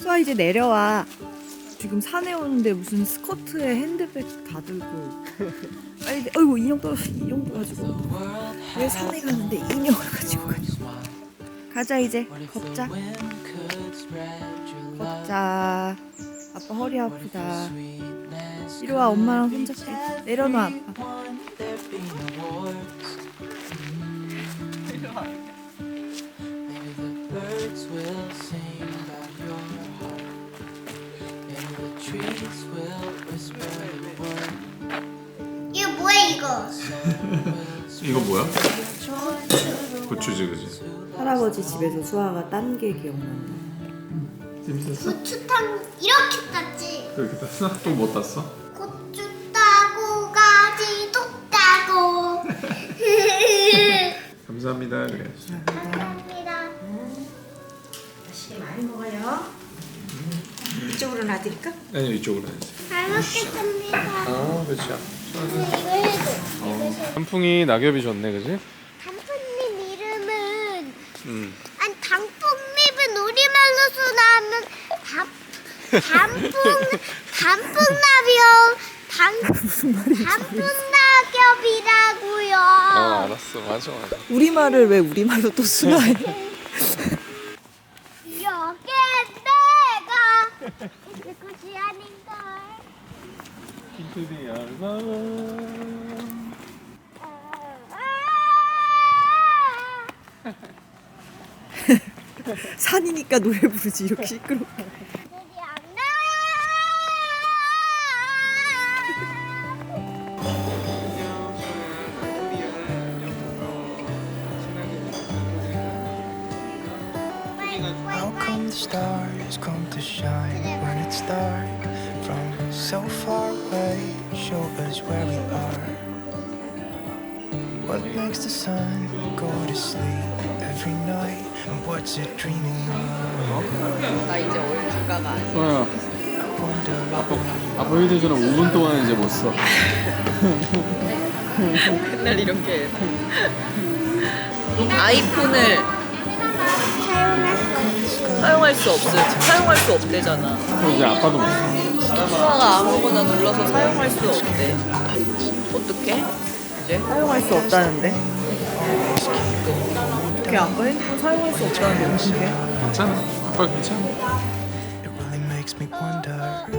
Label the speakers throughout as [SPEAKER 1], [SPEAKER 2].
[SPEAKER 1] 수아 이제 내려와. 지금 산에 오는데 무슨 스커트에 핸드백 다 들고. 빨리. 어이구 인형 떨어졌어. 인형도 가지고. 왜 산에 가는데 인형을 가지고 가냐. 가자 이제. 걷자. 걷자. 아빠 허리 아프다. 이리 와 엄마랑 손잡기. 내려놔 아빠.
[SPEAKER 2] 이거 뭐야 이거?
[SPEAKER 3] 이거 뭐야? 고추지 그지?
[SPEAKER 1] 할아버지 집에서 수아가 딴 게 기억난다.
[SPEAKER 3] 재밌었어?
[SPEAKER 2] 고추탕 이렇게 땄지.
[SPEAKER 3] 그렇게 땄어? 또 뭐 땄어?
[SPEAKER 2] 고추 따고 가지도 따고.
[SPEAKER 3] 감사합니다 그래야지.
[SPEAKER 2] 감사합니다.
[SPEAKER 4] 맛있게 많이 먹어요. 이쪽으로 놔드릴까?
[SPEAKER 3] 아니 이쪽으로 해야지.
[SPEAKER 2] 잘 먹겠습니다.
[SPEAKER 3] 아 그렇지.
[SPEAKER 2] 이거 해줘. 이거 해줘.
[SPEAKER 3] 단풍이 낙엽이 좋네 그지?
[SPEAKER 2] 단풍잎 이름은 아니 단풍잎은 우리말로서 나면 단풍낙엽이라고요.
[SPEAKER 3] 아 알았어 맞아.
[SPEAKER 1] 우리말을 왜 우리말로 또 쓰나요?
[SPEAKER 2] 여기 내가 내 것이 아닌걸.
[SPEAKER 3] 핑크디 알바.
[SPEAKER 1] 산이니까 노래 부르지 이렇게 시끄럽게.
[SPEAKER 5] How come the stars come to shine when it's dark? From so far away, show us where we are. What makes the sun go to sleep every night? And what's it dreaming of?
[SPEAKER 1] 나 이제 얼주가가 아니야.
[SPEAKER 3] 소아야
[SPEAKER 5] I wonder.
[SPEAKER 3] 아빠 휴대전화 5분 동안 이제 못 써.
[SPEAKER 1] 맨날 이렇게 아이폰을 사용할 수 없대잖아.
[SPEAKER 3] 그럼 이제 아빠도 못 써.
[SPEAKER 1] 수아가 아무거나 눌러서 사용할 수 없대. 어떻게? 이제 사용할 수 없다는데? 어떻게 아빠 핸드폰 사용할 수 없다는데 어떻게?
[SPEAKER 3] 괜찮아. 아빠 괜찮아.
[SPEAKER 5] It really makes me wonder.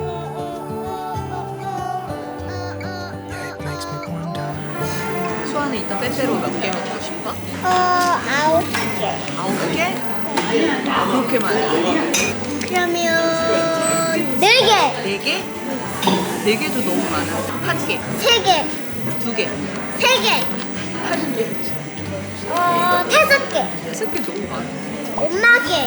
[SPEAKER 5] Yeah, it makes me wonder.
[SPEAKER 1] 수아는 이따 빼빼로 몇 개 먹고 싶어?
[SPEAKER 2] 9개.
[SPEAKER 1] 9개? 그렇게 많아?
[SPEAKER 2] 그러면 4개.
[SPEAKER 1] 4개? 4개도 너무 많아. 1개,
[SPEAKER 2] 3개.
[SPEAKER 1] 2개,
[SPEAKER 2] 3개. 5개.
[SPEAKER 1] 6개 너무 많아.
[SPEAKER 2] 엄마게.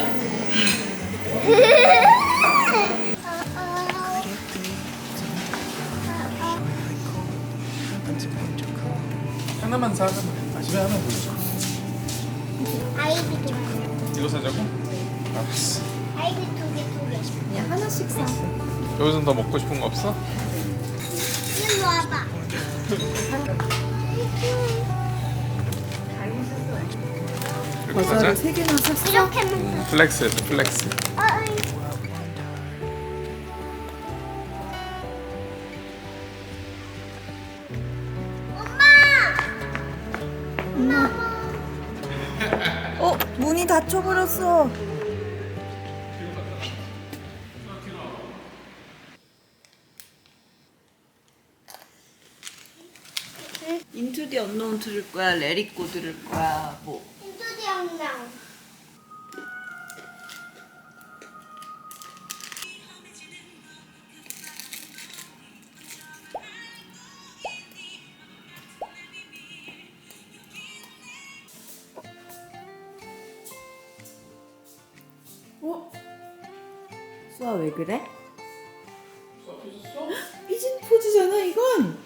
[SPEAKER 5] Until winter comes.
[SPEAKER 3] 하나만 사. 집에 하나 보자.
[SPEAKER 2] 아이비 2개.
[SPEAKER 3] 이거 사자고? 알았어.
[SPEAKER 2] 아이비 2개.
[SPEAKER 1] 그냥 하나씩 사.
[SPEAKER 3] 여기서 더 먹고 싶은 거 없어?
[SPEAKER 2] 일로 와봐.
[SPEAKER 3] 이렇게 사자.
[SPEAKER 1] 과자를 3개나 샀어?
[SPEAKER 2] 이렇게 먹는.
[SPEAKER 3] 플렉스 해줘 플렉스.
[SPEAKER 1] 문이 닫혀버렸어. 인투 디 언노운 들을 거야? 레리꼬 들을 거야? 뭐?
[SPEAKER 2] 인투디 영랑.
[SPEAKER 1] 어? 수아 왜 그래? 삐진 포즈잖아 이건.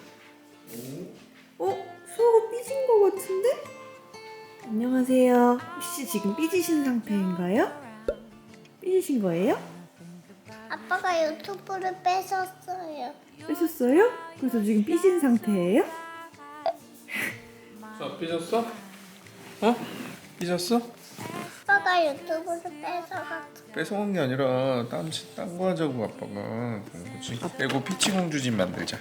[SPEAKER 1] 수아가 삐진 거 같은데? 안녕하세요. 혹시 지금 삐지신 상태인가요? 삐지신 거예요?
[SPEAKER 2] 아빠가 유튜브를 뺏었어요.
[SPEAKER 1] 삐졌어요? 그래서 지금 삐진 상태예요?
[SPEAKER 3] 삐졌어? 어? 삐졌어?
[SPEAKER 2] 아빠가 유튜브를 뺏어갔어.
[SPEAKER 3] 뺏어간 게 아니라 딴 거 하자고 아빠가 그런 거지. 그리고 피치공주 집 만들자.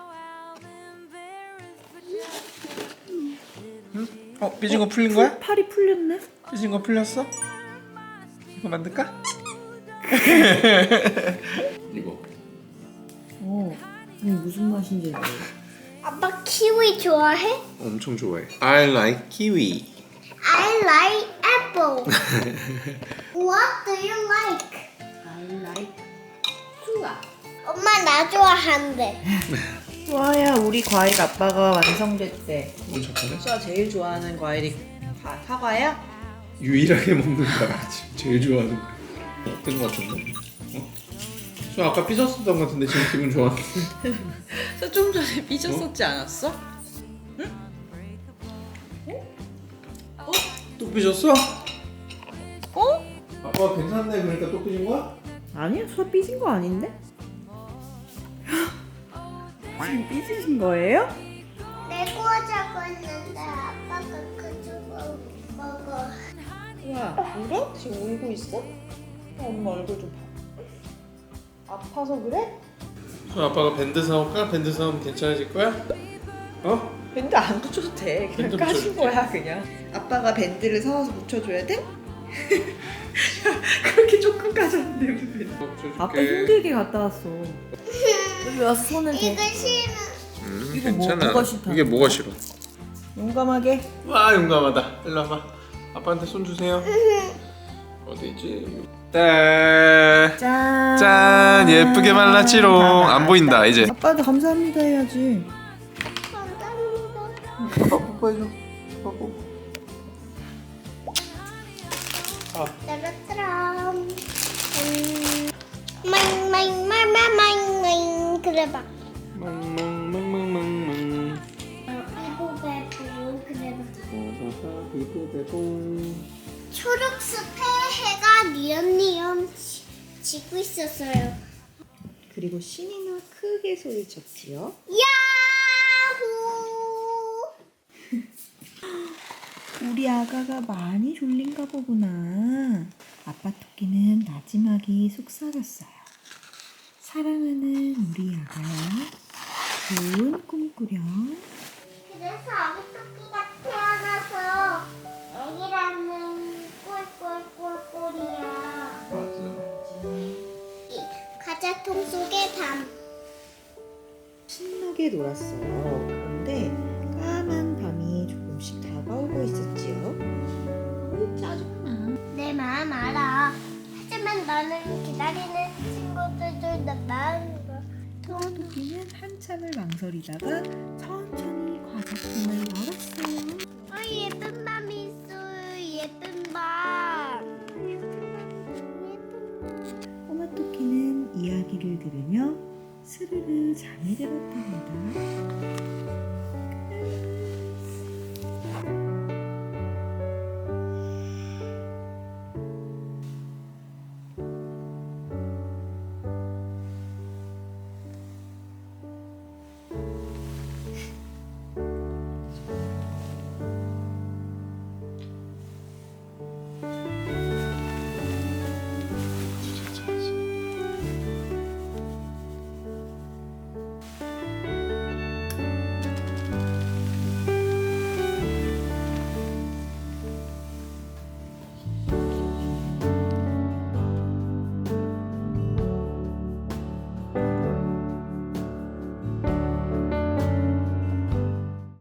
[SPEAKER 3] 응? 삐진 거 풀린 거야?
[SPEAKER 1] 팔이 풀렸네.
[SPEAKER 3] 삐진 거 풀렸어? 이거 만들까? 이거
[SPEAKER 1] 이게 무슨 맛인지 모르겠어.
[SPEAKER 2] 아빠 키위 좋아해?
[SPEAKER 3] 엄청 좋아해. I like kiwi.
[SPEAKER 2] I like apple. What do you like?
[SPEAKER 4] I like 수아.
[SPEAKER 2] 엄마 나 좋아한대.
[SPEAKER 1] 수아야, 우리 과일 아빠가 완성됐대.
[SPEAKER 3] 엄청
[SPEAKER 1] 수아 제일 좋아하는 과일이 사과야?
[SPEAKER 3] 유일하게 먹는 거야. 지금 제일 좋아하는 거. 어떤 거 같은데? 저 아까 삐졌었던 거 같은데 지금 기분 좋아.
[SPEAKER 1] 저 좀 전에 삐졌었지 않았어?
[SPEAKER 3] 또 삐졌어?
[SPEAKER 1] 어?
[SPEAKER 3] 아빠가 괜찮네 그러니까 또 삐진 거야?
[SPEAKER 1] 아니야, 수아 삐진 거 아닌데? 지금 삐지신 거예요?
[SPEAKER 2] 레고 하자고 했는데 아빠가 그거 먹어.
[SPEAKER 1] 수아, 울어? 지금 울고 있어? 엄마 얼굴 좀 봐. 아파서 그래?
[SPEAKER 3] 저 아빠가 밴드 사올까? 밴드 사오면 괜찮아질 거야? 어?
[SPEAKER 1] 밴드 안 붙여도 돼. 그냥
[SPEAKER 3] 밴드
[SPEAKER 1] 까신
[SPEAKER 3] 붙여줄게.
[SPEAKER 1] 거야, 그냥. 아빠가 밴드를 사와서 붙여줘야 돼? 그렇게 조금 까졌는데 무슨 밴드.
[SPEAKER 3] 붙여줄게.
[SPEAKER 1] 아빠 힘들게 갔다 왔어. 여기 와서 손을 대.
[SPEAKER 2] 이거 싫어.
[SPEAKER 1] 이거
[SPEAKER 3] 괜찮아.
[SPEAKER 1] 뭐가 싫다?
[SPEAKER 3] 이게 뭐가 싫어?
[SPEAKER 1] 용감하게.
[SPEAKER 3] 와 용감하다. 일로 와봐. 아빠한테 손 주세요. 어디 있지? 짠.
[SPEAKER 1] 짠.
[SPEAKER 3] 짠 예쁘게 말랐지롱. 안 보인다 이제.
[SPEAKER 1] 아빠한테 감사합니다 해야지.
[SPEAKER 2] 감사합니다.
[SPEAKER 3] 아빠 뽀뽀해줘. 뽀뽀.
[SPEAKER 2] 따라따람. 마잉마잉마마마잉마잉 그래봐.
[SPEAKER 3] 망망망망망망.
[SPEAKER 2] 이보 배보 그래봐. 초록숲에 해가 니엄니엄 지고 있었어요.
[SPEAKER 1] 그리고 신이나 크게 소리쳤지요.
[SPEAKER 2] 야호!
[SPEAKER 1] 우리 아가가 많이 졸린가 보구나. 아빠 토끼는 마지막이 속삭였어요. 사랑하는 우리 아가야, 좋은 꿈 꾸렴.
[SPEAKER 2] 그래서 아기 토끼가 태어나서 애기라는 꿀꿀꿀꿀이야. 과자통 속의 밤.
[SPEAKER 1] 신나게 놀았어요. 그런데 까만 밤이 조금씩 다가오고 있었지요. 짜증나.
[SPEAKER 2] 내 마음 알아. 하지만 너는 기다리는 친구들도 내 마음을
[SPEAKER 1] 토끼는 한참을 망설이다가 천천히 과자통을 열었어요.
[SPEAKER 2] 예쁜 밤이 있어요. 예쁜 밤.
[SPEAKER 1] 꼬마 토끼는 이야기를 들으며 스르르 잠이 들었답니다.